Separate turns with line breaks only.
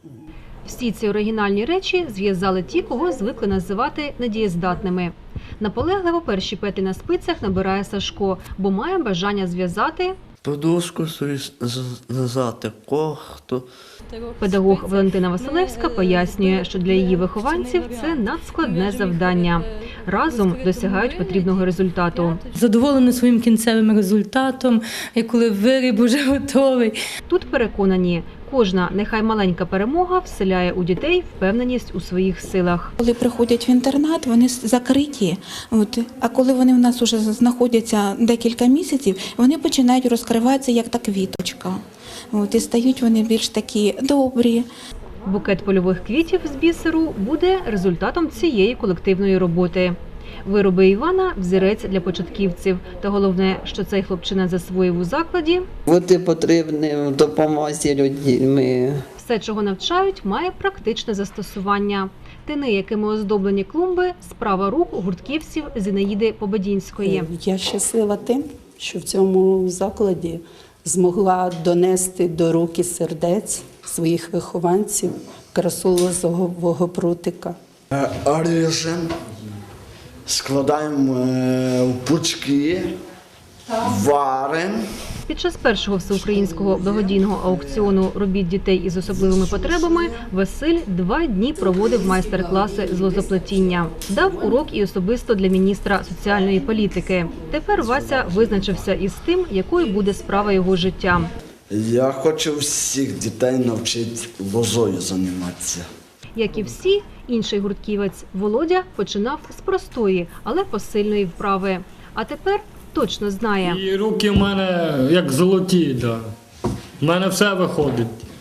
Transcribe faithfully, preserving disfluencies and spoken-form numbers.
Всі ці оригінальні речі зв'язали ті, кого звикли називати недієздатними. Наполегливо перші петлі на спицях набирає Сашко, бо має бажання зв'язати
Подушку свою зв'язати, кохту.
Педагог Валентина Василевська пояснює, що для її вихованців це надскладне завдання. Разом досягають потрібного результату.
Задоволена своїм кінцевим результатом, і коли виріб уже готовий.
Тут переконані, кожна, нехай маленька перемога вселяє у дітей впевненість у своїх силах.
Коли приходять в інтернат, вони закриті. От. А коли вони в нас вже знаходяться декілька місяців, вони починають розкриватися як та квіточка. От. І стають вони більш такі добрі.
Букет польових квітів з бісеру буде результатом цієї колективної роботи. Вироби Івана – взірець для початківців. Та головне, що цей хлопчина засвоїв у закладі.
Бути потрібним в допомозі людьми.
Все, чого навчають, має практичне застосування. Тини, якими оздоблені клумби – справа рук гуртківців Зінаїди Победінської.
Я щаслива тим, що в цьому закладі змогла донести до рук і сердець своїх вихованців красу лозового прутика.
Ріжемо, складаємо в пучки, варимо.
Під час першого всеукраїнського благодійного аукціону робіт дітей із особливими потребами Василь два дні проводив майстер-класи з лозоплетіння. Дав урок і особисто для міністра соціальної політики. Тепер Вася визначився із тим, якою буде справа його життя.
Я хочу всіх дітей навчити лозою займатися.
Як і всі, інший гуртківець Володя починав з простої, але посильної вправи. А тепер точно знає.
І руки в мене як золоті, да. В мене все виходить.